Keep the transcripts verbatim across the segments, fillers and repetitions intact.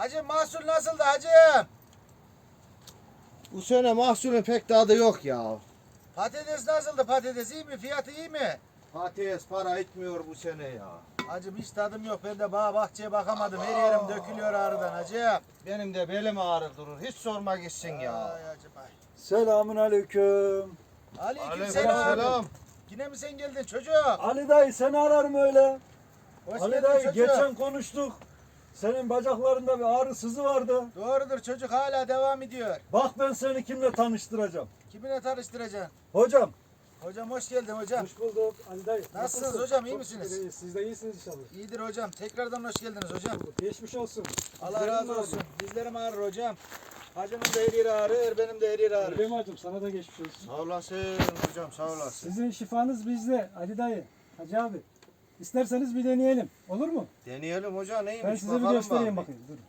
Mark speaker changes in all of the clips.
Speaker 1: Hacı mahsul nasıldı hacı?
Speaker 2: Bu sene mahsulün pek tadı yok ya.
Speaker 1: Patates nasıldı? Patates iyi mi? Fiyatı iyi mi?
Speaker 2: Patates para etmiyor bu sene ya.
Speaker 1: Hacım hiç tadım yok. Ben de bağ bahçeye bakamadım. Her yerim dökülüyor ağrıdan hacı.
Speaker 2: Benim de belim ağrır durur. Hiç sorma gitsin ya.
Speaker 1: Ay hacı bay.
Speaker 3: Selamun aleyküm.
Speaker 1: Aleykümselam.
Speaker 2: Aleykümselam.
Speaker 1: Yine mi sen geldin çocuğum?
Speaker 3: Ali dayı seni ararım öyle.
Speaker 1: Hoş
Speaker 3: Ali
Speaker 1: geldin
Speaker 3: dayı
Speaker 1: çocuğum.
Speaker 3: geçen konuştuk. Senin bacaklarında bir ağrı sızı vardı.
Speaker 1: Doğrudur çocuk hala devam ediyor.
Speaker 3: Bak ben seni kimle tanıştıracağım.
Speaker 1: Kiminle tanıştıracaksın?
Speaker 3: Hocam.
Speaker 1: Hocam hoş geldin hocam.
Speaker 4: Hoş bulduk Ali dayı.
Speaker 1: Nasılsınız hocam, iyi
Speaker 4: Çok
Speaker 1: misiniz?
Speaker 4: şükür iyiyiz. Siz de iyisiniz inşallah.
Speaker 1: İyidir hocam. Tekrardan hoş geldiniz hocam.
Speaker 4: Geçmiş olsun.
Speaker 1: Allah
Speaker 4: Dizlerim
Speaker 1: razı
Speaker 4: ağrıyor.
Speaker 1: olsun. Dizlerim ağrır hocam. Hacımın da her yeri ağrır, benim de her yeri ağrır.
Speaker 4: Öyle mi hacım? Sana da geçmiş olsun.
Speaker 2: Sağ olasın hocam, sağ olasın.
Speaker 4: Sizin şifanız bizde Ali dayı. Hacı abi. İsterseniz bir deneyelim. Olur mu?
Speaker 2: Deneyelim hoca neymiş
Speaker 4: Ben size bir
Speaker 2: bakalım
Speaker 4: göstereyim
Speaker 2: bari.
Speaker 4: bakayım. Durun.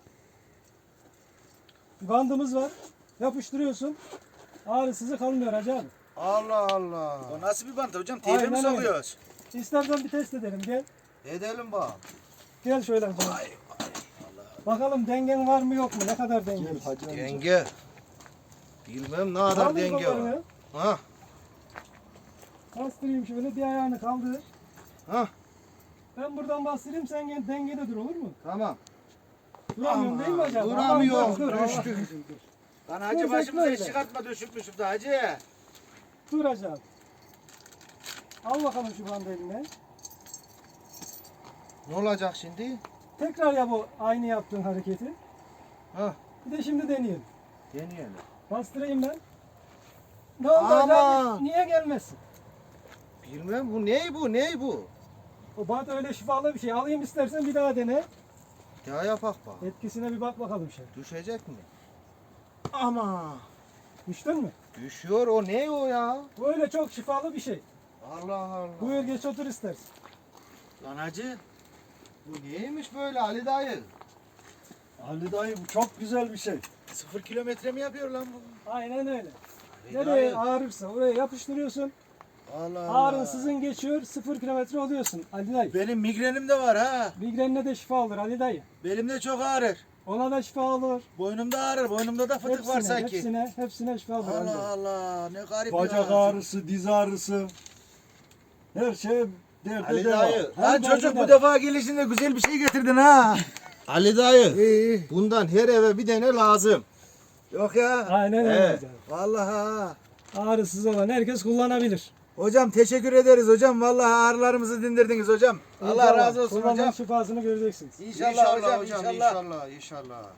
Speaker 4: Bir bandımız var. Yapıştırıyorsun. Ağrısızı kalmıyor Hacı abi.
Speaker 2: Allah Allah.
Speaker 1: O nasıl bir bant hocam? Teybe mi
Speaker 4: Aynen öyle.
Speaker 1: sokuyoruz?
Speaker 4: İstersen bir test edelim. Gel.
Speaker 2: Edelim bak.
Speaker 4: Gel şöyle Hacı abi. Bakalım dengen var mı yok mu? Ne kadar denge?
Speaker 2: Denge. Bilmem ne kadar
Speaker 4: Kaldır
Speaker 2: denge var.
Speaker 4: kollarını.
Speaker 2: Ha,
Speaker 4: Bastırayım şöyle. Bir ayağını kaldır.
Speaker 2: ha,
Speaker 4: Ben buradan bastırayım. Sen gel dengede dur, olur mu?
Speaker 2: tamam.
Speaker 4: Duramıyorum değil mi Hacı abi?
Speaker 2: Duramıyorum,
Speaker 4: Aman, dur, dur, Allah
Speaker 2: düştük.
Speaker 4: korusun, dur.
Speaker 1: Lan
Speaker 4: Dur,
Speaker 1: hacı
Speaker 4: bekle
Speaker 1: başımıza
Speaker 4: öyle.
Speaker 1: iş çıkartma düşürtmüşüm da hacı.
Speaker 4: Dur Hacı abi. Al bakalım şu bandı eline.
Speaker 2: Ne olacak şimdi?
Speaker 4: Tekrar yap o aynı yaptığın hareketi.
Speaker 2: Ha,
Speaker 4: Bir de şimdi deneyelim.
Speaker 2: deneyelim.
Speaker 4: Bastırayım ben. Ne oldu Hacı
Speaker 2: Ama-
Speaker 4: abi? Niye gelmezsin?
Speaker 2: Bilmem bu ne bu ne bu?
Speaker 4: O bant öyle şifalı bir şey. Alayım istersen bir daha dene.
Speaker 2: Ya yapak bak.
Speaker 4: Etkisine bir bak bakalım şey.
Speaker 2: Düşecek mi? Ama
Speaker 4: Düştün mü?
Speaker 2: düşüyor o ne o ya?
Speaker 4: Bu öyle çok şifalı bir şey.
Speaker 2: Allah Allah.
Speaker 4: Buyur geç otur istersen.
Speaker 2: Lan hacı. Bu neymiş böyle Ali dayı?
Speaker 3: Ali dayı bu çok güzel bir şey.
Speaker 1: Sıfır kilometre mi yapıyor lan bu?
Speaker 4: Aynen öyle.
Speaker 2: Ali
Speaker 4: Nereye
Speaker 2: dayı.
Speaker 4: ağrırsa oraya yapıştırıyorsun.
Speaker 2: Allah Allah.
Speaker 4: Ağrın sızın geçiyor. Sıfır kilometre oluyorsun Ali dayı.
Speaker 1: Benim migrenim de var ha.
Speaker 4: Migrenine de şifa olur Ali dayı.
Speaker 1: Belimde çok ağrır.
Speaker 4: Ona da şifa olur.
Speaker 1: Boynumda ağrır. Boynumda da fıtık var
Speaker 4: Hepsine,
Speaker 1: sanki.
Speaker 4: hepsine, hepsine şifa olur Ali dayı.
Speaker 1: Allah Allah ne garip
Speaker 3: Bacak
Speaker 1: ya.
Speaker 3: ağrısı, diz ağrısı. Her şey derde
Speaker 2: Ali
Speaker 3: deva.
Speaker 2: dayı.
Speaker 1: Lan
Speaker 4: Hem
Speaker 1: çocuk
Speaker 4: derde
Speaker 1: bu
Speaker 4: de-
Speaker 1: defa gelişinde güzel bir şey getirdin ha.
Speaker 2: Ali dayı.
Speaker 1: İyi.
Speaker 2: Bundan her eve bir tane lazım.
Speaker 1: Yok ya.
Speaker 4: Aynen öyle.
Speaker 2: Evet.
Speaker 4: hocam.
Speaker 1: Vallahi ha.
Speaker 4: Ağrısız olan herkes kullanabilir.
Speaker 1: Hocam teşekkür ederiz hocam. Vallahi ağrılarımızı dindirdiniz hocam. Allah
Speaker 4: İnşallah
Speaker 1: razı olsun
Speaker 4: kullanmanın
Speaker 1: hocam.
Speaker 4: şifasını göreceksiniz.
Speaker 1: İnşallah, hocam,
Speaker 2: hocam
Speaker 1: inşallah.
Speaker 2: inşallah inşallah.